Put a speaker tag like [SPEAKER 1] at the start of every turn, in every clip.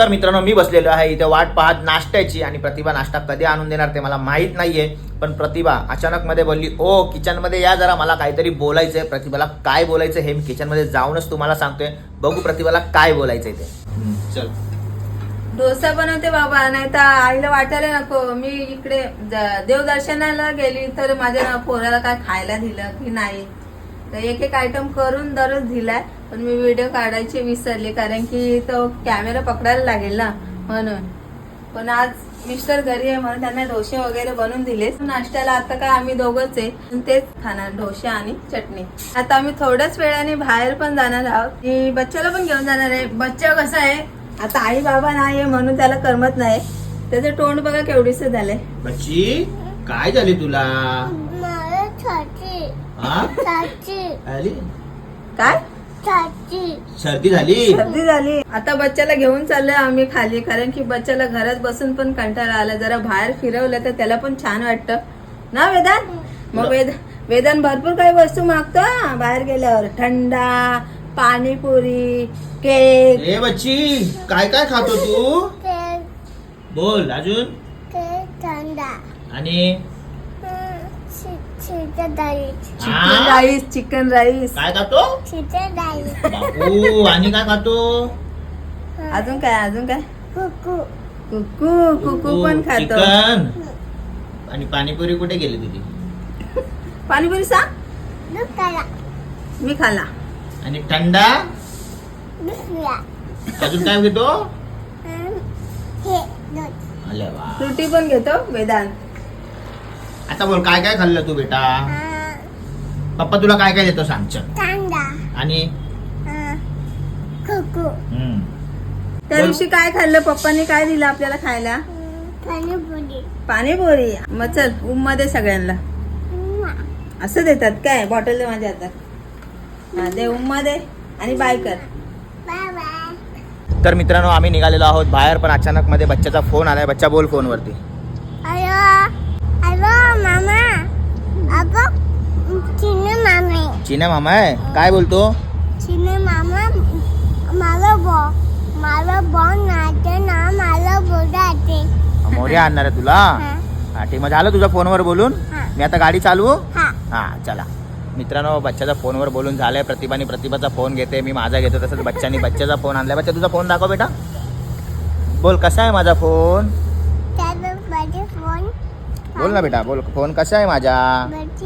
[SPEAKER 1] तर मित्रांनो मी बसलेलो आहे इथे वाट पाहत नाश्त्याची आणि प्रतिभा नाश्ता कधी आणून देणार ते मला माहित नाहीये. पण प्रतिभा अचानक मध्ये बोलली ओ किचन मध्ये या जरा, मला काहीतरी बोलायचंय. प्रतिभाला काय बोलायचं हे मी किचन मध्ये जाऊनच तुम्हाला सांगतोय. बघू प्रतिभाला काय बोलायचंय ते. चल
[SPEAKER 2] डोसा बनवते बाबा, नाही तर आईला वाटायला नको. मी इकडे देवदर्शनाला गेली तर माझ्या पोराला काय खायला दिलं की नाही, तर एक एक आयटम करून दररोज दिलाय. पण मी व्हिडिओ काढायचे विसरले कारण की तो कॅमेरा पकडायला लागेल ना म्हणून. पण आज मिस्टर घरी आहे म्हणून त्यांना डोसे वगैरे बनवून दिले. नाश्त्याला आता काय आम्ही दोघंच आहे, तेच खाणार डोसे आणि चटणी. आता आम्ही थोड्याच वेळाने बाहेर पण जाणार आहोत. की बच्चाला पण घेऊन जाणार आहे. बच्चा कसा आहे आता आई बाबा नाही म्हणून त्याला करमत नाही. त्याचं तोंड बघा केवढीस झालंय.
[SPEAKER 1] बच्ची काय झाली तुला?
[SPEAKER 2] काय
[SPEAKER 1] सर्दी झाली?
[SPEAKER 2] सर्दी झाली. आता बच्चाला घेऊन चाललोय आम्ही खाली, कारण की बच्चाला घरात बसून पण कंटाळा आला. जरा बाहेर फिरवलं तर त्याला पण छान वाटतं ना वेदान. मग वेदान भरपूर काही वस्तू मागतो बाहेर गेल्यावर. थंडा, पाणीपुरी, केक.
[SPEAKER 1] ए बच्ची काय काय खातो तू? बोल अजून. आणि
[SPEAKER 2] चिकन राईस
[SPEAKER 1] काय खातो बापू? आणि काय खातो?
[SPEAKER 2] अजून काय कुकू पण खातो.
[SPEAKER 1] चिकन आणि पाणीपुरी कुठे गेली तुझी?
[SPEAKER 2] पाणीपुरी सांग मी खाला.
[SPEAKER 1] आणि थंडा अजून काय घेतो? अरे वा.
[SPEAKER 2] फ्रुटी पण घेतो वेदांत.
[SPEAKER 1] आता बोल काय काय खाल्लं तू बेटा? पप्पा तुला काय काय देतो सांग. चल. आणि
[SPEAKER 2] त्या दिवशी काय खाल्लं पप्पांनी? काय दिलं आपल्याला खायला? पाणीपुरी. मग चल मध्ये सगळ्यांना असं देतात काय? बॉटल दे माझ्या हातात. हा दे मध्ये आणि बाय कर.
[SPEAKER 1] तर मित्रांनो आम्ही निघालेलो आहोत बाहेर, पण अचानक मध्ये बच्चाचा फोन आलाय. बच्चा बोल फोन वरती. चिन्या मामा आहे. काय बोलतो? मोर्या आणणार आहे तुला? हा ठीक. मग झालं तुझ्या फोनवर बोलून? मी आता गाडी चालवू? हा चला. मित्रांनो बच्चाचा फोनवर बोलून झालंय. प्रतिभाचा फोन घेते, मी माझा घेतो. तसंच बच्चानी बच्चाचा फोन आणलाय. बच्चा तुझा फोन दाखव बेटा. बोल कसा आहे माझा फोन? बोल ना बेटा, बोल फोन कसा आहे माझा?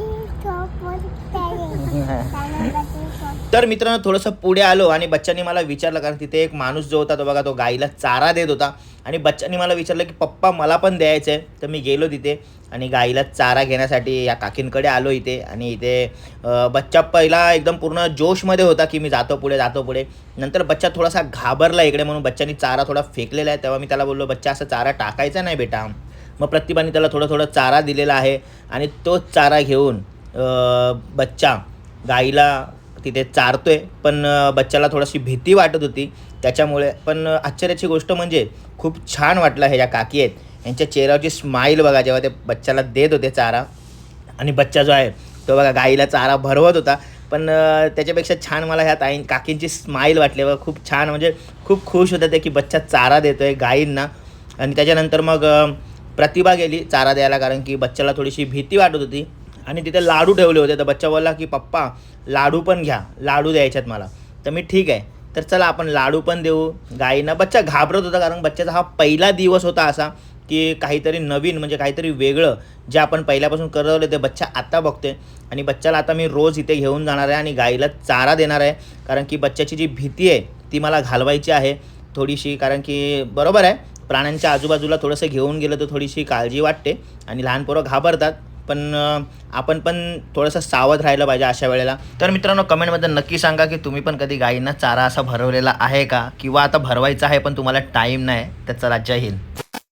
[SPEAKER 1] तर मित्रांनो थोडंसं पुढे आलो आणि बच्चानी मला विचारलं, कारण तिथे एक माणूस जो होता तो बघा तो गाईला चारा देत होता. आणि बच्चानी मला विचारलं की पप्पा मला पण द्यायचं आहे. तर मी गेलो तिथे आणि गाईला चारा घेण्यासाठी या काकींकडे आलो इथे. आणि इथे बच्चा पहिला एकदम पूर्ण जोशमध्ये होता की मी जातो पुढे. नंतर बच्चा थोडासा घाबरला इकडे, म्हणून बच्चानी चारा थोडा फेकलेला आहे. तेव्हा मी त्याला बोललो बच्चा असं चारा टाकायचा नाही बेटा. मग प्रतिभाने त्याला थोडं चारा दिलेला आहे आणि तोच चारा घेऊन बच्चा गाईला तिथे चारतोय. पण बच्चाला थोडीशी भीती वाटत होती त्याच्यामुळे. पण आश्चर्याची गोष्ट म्हणजे खूप छान वाटलं. हे ज्या काकी आहेत यांच्या चेहऱ्यावरची स्माईल बघा जेव्हा ते बच्चाला देत होते चारा. आणि बच्चा जो आहे तो बघा गाईला चारा भरवत होता. पण त्याच्यापेक्षा छान मला ह्या काकींची स्माईल वाटली बघा. खूप छान, म्हणजे खूप खुश होते ते की बच्चा चारा देतोय गाईंना. आणि त्याच्यानंतर मग प्रतिभा गेली चारा द्यायला, कारण की बच्चाला थोडीशी भीती वाटत होती. आणि तिथे लाडू ठेवले होते. तर बच्चा बोलला की पप्पा लाडू पण घ्या, लाडू द्यायच्यात मला. तर मी ठीक आहे, तर चला आपण लाडू पण देऊ गाईंना. बच्चा घाबरत होता कारण बच्चाचा हा पहिला दिवस होता असा की काहीतरी नवीन, म्हणजे काहीतरी वेगळं जे आपण पहिल्यापासून करत होते ते बच्चा आता बघतोय. आणि बच्चाला आता मी रोज इथे घेऊन जाणार आहे आणि गाईला चारा देणार आहे. कारण की बच्चाची जी भीती आहे ती मला घालवायची आहे थोडीशी. कारण की बरोबर आहे, प्राण्यांच्या आजूबाजूला थोडंसं घेऊन गेलं तर थोडीशी काळजी वाटते आणि लहान पोरं घाबरतात. पण आपण पण थोडंसं सावध राहिलं पाहिजे अशा वेळेला. तर मित्रांनो कमेंटमध्ये नक्की सांगा की तुम्ही पण कधी गाईंना चारा असा भरवलेला आहे का, किंवा आता भरवायचा आहे पण तुम्हाला टाईम नाही. तर चला जय हिंद.